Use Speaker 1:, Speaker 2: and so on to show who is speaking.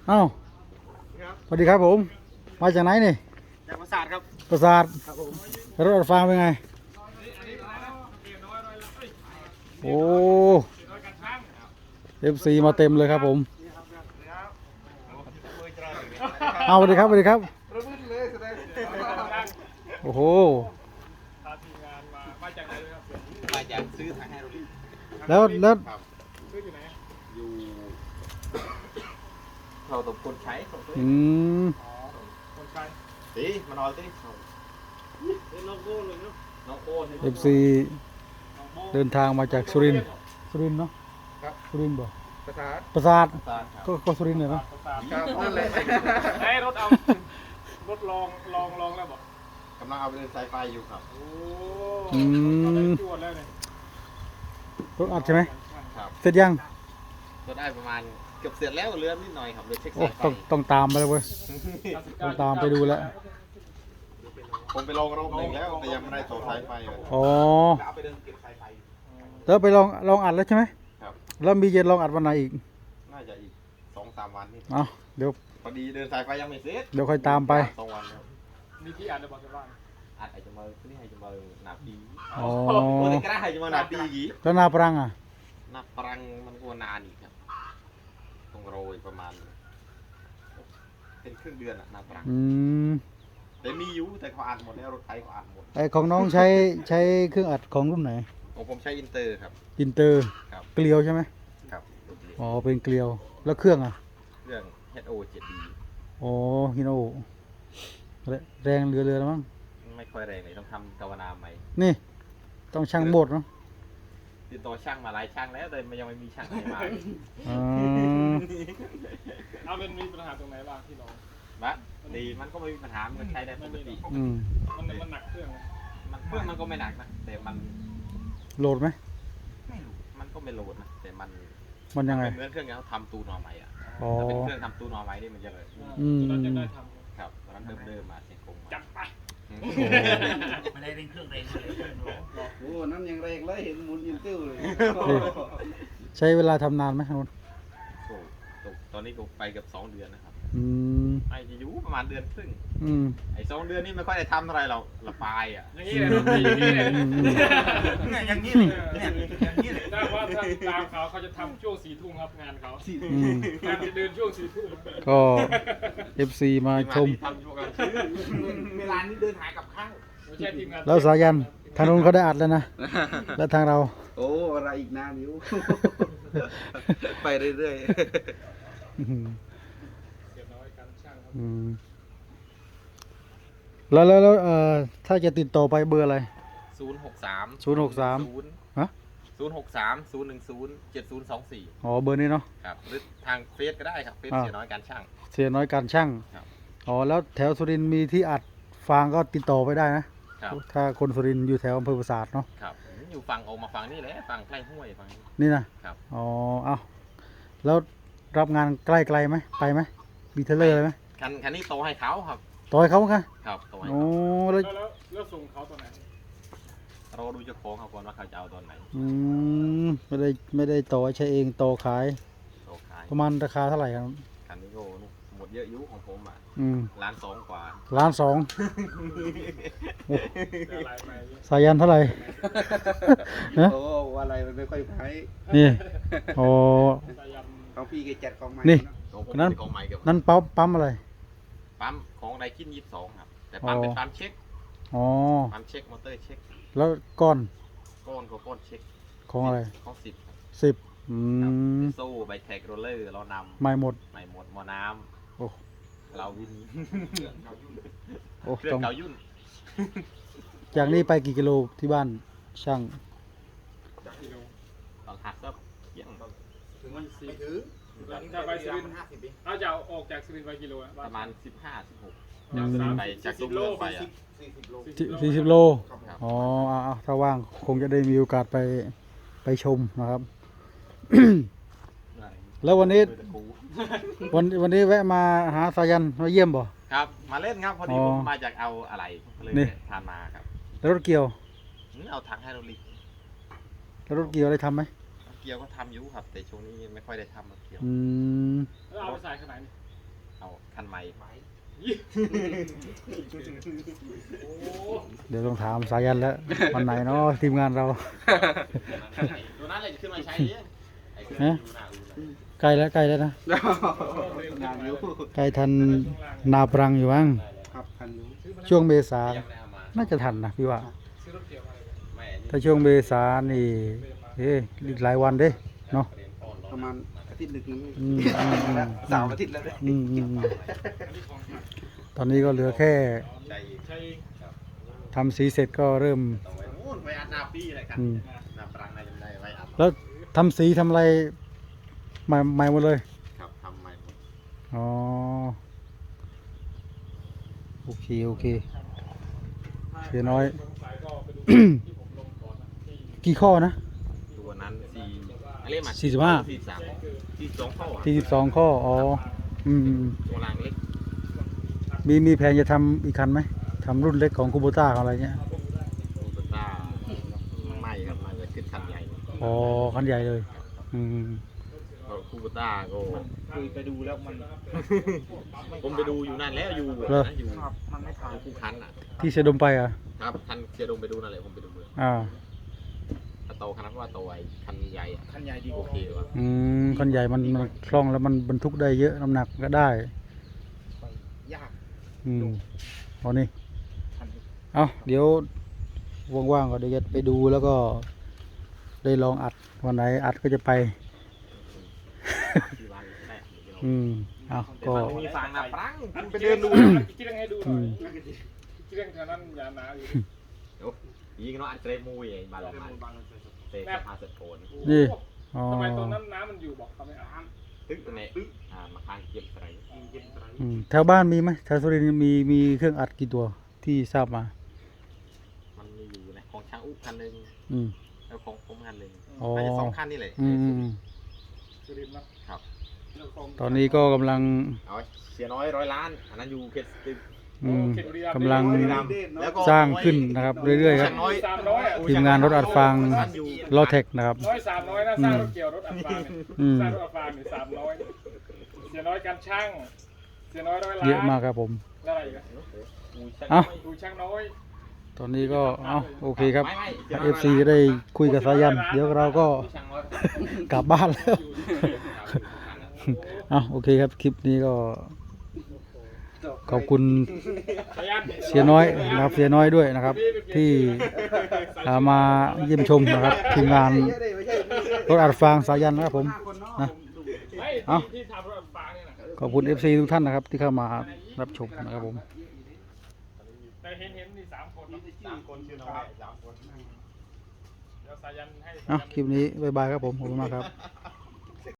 Speaker 1: เอ้าสวัสดีครับผมมาจากไหนนี่
Speaker 2: จากปราสาทครับ
Speaker 1: ปราสาท
Speaker 2: ครับผม
Speaker 1: รถอัดฟางเป็นไงโอ้FC มาเต็มเลยครับผมเอาสวัสดีครับสวัสดีครับโอ้โห
Speaker 2: มาจากซื้อทางให้เราดิ
Speaker 1: แล้ว
Speaker 2: ซื้ออยู่ไหนอยู่เราตบคนใช้ของตัวคนใช้ตีมานอนตีน้องโก้เลยเนาะน้องโก้
Speaker 1: FC เดินทางมาจากสุรินทร์เนาะสุรินทร์บ่ปราสาทก็สุรินทร์เลยเนาะ
Speaker 2: ครับนั่นแหละให้รถเอารถลองแล้วบอกกำลังเอาไปเดินสายไฟอยู่ครับโอ้จวดแล้วเนี่ย
Speaker 1: รถอัดใช่ไหม
Speaker 2: ครับ
Speaker 1: เสร็จยัง
Speaker 2: ก็ได้ประมาณเกือบเสร็จแล้วเหลือนิดหน่อยครับเลยเช็คสายไฟ
Speaker 1: ต้องตามไปเลยเว้ยต้องตามไปดูแล้ว
Speaker 2: ผมไปลองรอบหนึ่งแล้วแต่ยังไม่ได้ต่อสายไฟเลย
Speaker 1: อ๋อแล้วไปลองอัดแล้วใช่ไหม
Speaker 2: ครับ
Speaker 1: แล้วมีเย็นลองอัดวันไหนอีก
Speaker 2: น่าจะอีก 2-3 วันนี่
Speaker 1: เอาเดี๋ยว
Speaker 2: พอดีเดินสายไฟยังไม่เสร็จ
Speaker 1: เดี๋ยวค่อยตามไป
Speaker 2: 2 วันครับมีที่อัดในบ้านบ้านอัดไอจะมาที่ให้จะมาหนาปี
Speaker 1: อ๋อ
Speaker 2: โอ้แต่กระให้จะมาหนาปีกี่
Speaker 1: แล้วนาปรังอ่ะ
Speaker 2: นาปรังมันก็นานอีกครับต้องโรยประมาณเป็นครึ่งเดือนอะนาปรังแต่มีอยู่แต่เขาอัดหมดแล้วรถไถเขาอัดหมด
Speaker 1: ไอของน้องใช้เครื่องอัดของรุ่นไหน
Speaker 2: ของผมใช้อินเตอร์ครับ
Speaker 1: อินเตอร์เกลียวใช่ไหม
Speaker 2: ครับ
Speaker 1: อ๋อเป็นเกลียวแล้วเครื่องอ่ะ
Speaker 2: เครื่อง HO 7D
Speaker 1: อ๋อฮิโนแรงเรือแล้วมั้ง
Speaker 2: ไม่ค่อยแรงเลยต้องทำกาวนาใหม่
Speaker 1: นี่ต้องช่างโบดเนาะ
Speaker 2: ติดต่อช่างมาหลายช่างแล้วแต่ยังไม่มีช่างไหนมาเอาเป็นมีปัญหาตรงไหนบ้างที่น้องบ้าดีมันก็ไม่มีปัญหามันใช้ได้ปกติมันหนักเครื่องมันก็ไม่หนักนะแต่มัน
Speaker 1: โหลดไหม
Speaker 2: ไม่รู้มันก็ไม่โหลดนะแต่
Speaker 1: มันยังไง
Speaker 2: เหมือนเครื่องที่เขาทำตูนอใหม่อ่ะถ้าเป็นเครื่องทำตูนอใหม่นี่มันจะเลยครับตอนนั้นเดิมมาเสียงคงจับไป
Speaker 3: ไม่ได้เร่งเครื่องเร่งเลย
Speaker 2: โอ้นั่นยังแรงเลยเห็นหมุนยินติ้วเลย
Speaker 1: ใช้เวลาทำนานไหมครับ
Speaker 2: ตอนนี้ก็ไปกับ2 เดือนนะครับไอ้จะอยู่ประมาณ1 เดือนครึ่งไอ้2 เดือนนี่ไม่ค่อยได้ทำเท่าไรเราละปายอ่ะอย่างนี้เลย
Speaker 3: อย่างนี้เลยอย่างนี้เลย
Speaker 2: ถ้าว่าตามเขาจะทำช่วง4 ทุ่มครับงานเขางานจะเดินช่วง4 ทุ่ม
Speaker 1: ก็ FC มาชม
Speaker 2: เวลานี้เดินหายกับข้าว
Speaker 1: แล้วสายันทางนู้นเขาได้อัดแล้วนะแล้วทางเรา
Speaker 2: โอ้อะไรอีกนานอยู่ไปเรื่อยๆ
Speaker 1: แล้วถ้าจะติดต่อไปเบอร์อะไร
Speaker 2: 063ฮะ063-010-7024
Speaker 1: อ๋อเบอร์นี้เนาะ
Speaker 2: ครับหรือทางเฟซก็ได้ครับเฟซเสียน้อยการช่างอ๋อแล้วแถวสุรินทร์มีที่อัดฟางก็ติดต่อไปได้นะถ้าคนสุรินทร์อยู่แถวอำเภอปราสาทเนาะครับอยู่ฝั่งออกมาฝั่งนี้แหละฝั่งใกล้ห้วยฝั่ง
Speaker 1: นี่นะครับอ๋อเอาแล้วรับงานใกล้ไหมไปไหมมีเทเลอร์เลยไหม
Speaker 2: คันนี้โตให้เขาครับ
Speaker 1: โตให้เขาค่ะ
Speaker 2: ครับโตให้
Speaker 1: โอ้
Speaker 2: แล้วส่งเขาตอนไหนเราดูเจ้าของเขาก่อนว่าเขาจะเอาตอนไหน
Speaker 1: ไม่ได้โตใช้เองโตขายประมาณราคาเท่าไหร่ครับ
Speaker 2: คันนี้ก็หมดเยอะยุของผมอ่ะ1,200,000 กว่า
Speaker 1: 1,200,000สายันเท่าไหร่
Speaker 2: โอ้อะไรมันไม่ค่อยไพ่
Speaker 1: นี่โอ้
Speaker 2: เขาพี่แกจัดของใหม่
Speaker 1: นี่นั้นปั๊มอะไร
Speaker 2: ปั๊มของไดคิน22ครับแต่ปั๊มเป็นปั๊มเช็คปั๊มเช็คมอเตอร์เช็ค
Speaker 1: แล้วก้อน
Speaker 2: เช็ค
Speaker 1: ของอะไร
Speaker 2: ของ10โซ่ใบแท็กโรลเลอร์เรานำ
Speaker 1: ไม่หมด
Speaker 2: หม้อน้ำเราวินเครื่องเก่ายุ่น
Speaker 1: จากนี้ไปกี่กิโลที่บ้านช่าง
Speaker 2: ตอนหักก็ยัง
Speaker 3: ถึงวัน4ถึง
Speaker 2: ถ้าไปสุรินทร์ถ้าจะออกจากสุรินทร์ไปกิโลประมาณ15-16ไปจากตัวเมืองไป
Speaker 1: 40 โลอ๋อถ้าว่างคงจะได้มีโอกาสไปชมนะครับแล้ววันนี้แวะมาหาสายันมาเยี่ยมบ่
Speaker 2: ครับมาเล่นครับพอดีผมมาจากเอาอะไรเลยทานมาครับ
Speaker 1: แล้วรถเกี่ยว
Speaker 2: เอาถังไฮดรอลิก
Speaker 1: แล้วรถเกี่ยวได้ทำไหม
Speaker 2: เกี่ยวก็ทำอยู่ครับแต่ช่วงนี้ไม่ค่อยได้ทำรถเกี่ยว
Speaker 3: แล้วเอาไปใส่ขนาดนี้
Speaker 2: เอาคันใหม่
Speaker 1: เดี๋ยวต้องถามสายันแล้ววันไหนเนาะทีมงานเรา
Speaker 2: ตัวนั้นเลยจะขึ้นมาใช้เนี่ยไอ้เครื่อง
Speaker 1: ฮะ
Speaker 2: ดูหน้าดูหน้า
Speaker 1: ใกล้แล้วนะ
Speaker 3: งานอยู่
Speaker 1: ใกล้ทันนาปรังอยู่บ้าง
Speaker 3: ครับพันอยู่
Speaker 1: ช่วงเมษา
Speaker 2: ยังไม่ได้เอามา
Speaker 1: น่าจะทันนะพี่ว่า
Speaker 2: ไม่อันนี้
Speaker 1: ถ้าช่วงเมษานี่อีกหลายวันเด้เนาะ
Speaker 2: เรียนป้อน
Speaker 3: ประมาณอาทิตย์หนึ่ง
Speaker 1: อืม
Speaker 3: สามอาทิตย์แล้ว
Speaker 1: อืมตอนนี้ก็เหลือแค่
Speaker 2: ใจอีก
Speaker 1: ทำสีเสร็จก็เริ่ม
Speaker 2: ต้องไว้นู่นไว้อัดหน้าปี้อะไรกัน
Speaker 1: อืม
Speaker 2: หน้าปรังน่าจะไม่ได้ไว้อัด
Speaker 1: แล้วทำสีทำอะไรใหม่หมดเลย
Speaker 2: ครับทำใหม่หมด
Speaker 1: อ๋อ โอเคเสียน้อย กี่ข้อนะ
Speaker 2: ตัวนั้นอะไรมา
Speaker 1: 45
Speaker 2: 42ข้อ
Speaker 1: 42ข้อ อ๋อ อืม
Speaker 2: ตัวรางเล็ก
Speaker 1: มีแผนจะทำอีกคันไหมทำรุ่นเล็กของคูโบต้าอะไรเงี้ย
Speaker 2: ตัวต้าไม่ครับมันจะขึ้นคันใหญ่
Speaker 1: อ๋อ คันใหญ่เลย อืม
Speaker 2: เพราะคูโบต้าก็
Speaker 3: คุยไปดูแล้วมัน
Speaker 2: ผมไปดูอยู่นั่นแล้วอยู่
Speaker 1: เหรอ
Speaker 2: นะอยู่
Speaker 3: ครับมันไม่ผ่าน
Speaker 2: คู่คันอ่ะ
Speaker 1: ที่เสดมไปอ่ะ
Speaker 2: ครับคันเชียร์ดงไปดูนั่นแหละผมไปดูเลย
Speaker 1: อ่า
Speaker 2: ถ้าโตคันนั้นว่าโตไอ้คันใหญ่อะ
Speaker 3: คันใหญ่ดี
Speaker 2: โอก
Speaker 3: ว่า
Speaker 2: เคว่ะ
Speaker 1: คันใหญ่มันคล่องแล้วมันบรรทุกได้เยอะน้ำหนักก็ได้
Speaker 3: ยาก
Speaker 1: เอานี่
Speaker 3: คัน
Speaker 1: เอาเดี๋ยวว่างๆก็เดี๋ยวจะไปดูแล้วก็ได้ลองอัดวันไหนอัดก็จะไป
Speaker 2: ที่ร้านแรก
Speaker 1: เอาก็
Speaker 2: มีฟางนะปรัง
Speaker 3: ไปเดินดู
Speaker 4: คิดยังไงดูห
Speaker 1: อื
Speaker 4: น่อย
Speaker 1: ม
Speaker 4: คิดยังแถวนั้นยาหนาอยู่
Speaker 2: เดี๋ยวยิงเนาะอันเกรมูยไอ้บาลมันเตะสะพานเสร็จโผล่
Speaker 1: นี่ อ๋อ
Speaker 4: ทำไมตอนนั้นน้ำมันอยู่บอกเขาไม่เอา
Speaker 2: ตึ๊กเนี่ยมาค้างเก็บอะไร
Speaker 1: แถวบ้านมีไหมแถวสุรินทร์มีเครื่องอัดกี่ตัวที่ทราบมา
Speaker 2: มันมีอยู่ในของช่างอุ๊คันหนึ่ง
Speaker 1: อืม
Speaker 2: แล้วของผมคันหนึ่ง
Speaker 1: อ๋อ
Speaker 2: น่าจะ2คันนี่แหละ
Speaker 1: อืม
Speaker 4: สุรินทร์นะครับ
Speaker 1: ตอนนี้ก็กำลัง
Speaker 2: เอาไว้เสียน้อย100 ล้านอันนั้นอยู่เขตตึก
Speaker 1: กำลัง
Speaker 2: แล้วก็
Speaker 1: สร้างขึ้นนะครับ เรื่อยๆครับ
Speaker 2: น้อย
Speaker 1: ทีมงานรถอัดฟางลอเทคนะครับ
Speaker 4: 300นะสร้างรถเกี่ยวรถอัดฟางเนี่ย
Speaker 1: อืม
Speaker 4: สร้างรถอัดฟางเนี่ย300เสียน้อยการช่างเสียน้อย100 ล้าน
Speaker 1: เยอะมากครับผม
Speaker 4: แล้วอะไรอีกอะ
Speaker 1: เอ้า
Speaker 4: ดูช่างน้อย
Speaker 1: ตอนนี้ก็โอเคครับ
Speaker 2: ไม่
Speaker 1: FC ก็ได้คุยกับสายัน เดี๋ยวเราก็กลับบ้านแล้ว โอเคครับ คลิปนี้ก็ขอบคุณ
Speaker 4: สายัน
Speaker 1: เสียน้อยนะครับเสียน้อยด้วยนะครับ ที่มาเยี่ยมชมนะครับทีมงานรถอัดฟางสายันนะครับผมนะ
Speaker 4: ไม่
Speaker 1: เอ้า
Speaker 4: ที่ทำรถอัดฟางเนี่ยนะ
Speaker 1: ขอบคุณ FC ทุกท่านนะครับ ที่เข้ามารับชมนะครับผม
Speaker 4: แต่เห็นนี่3 คนเนาะ
Speaker 2: 3 คนชื่อน้อย3 คน
Speaker 4: เดี๋ยวสายันให้
Speaker 1: คลิปนี้บ๊ายบายครับผมขอบคุณมากครับ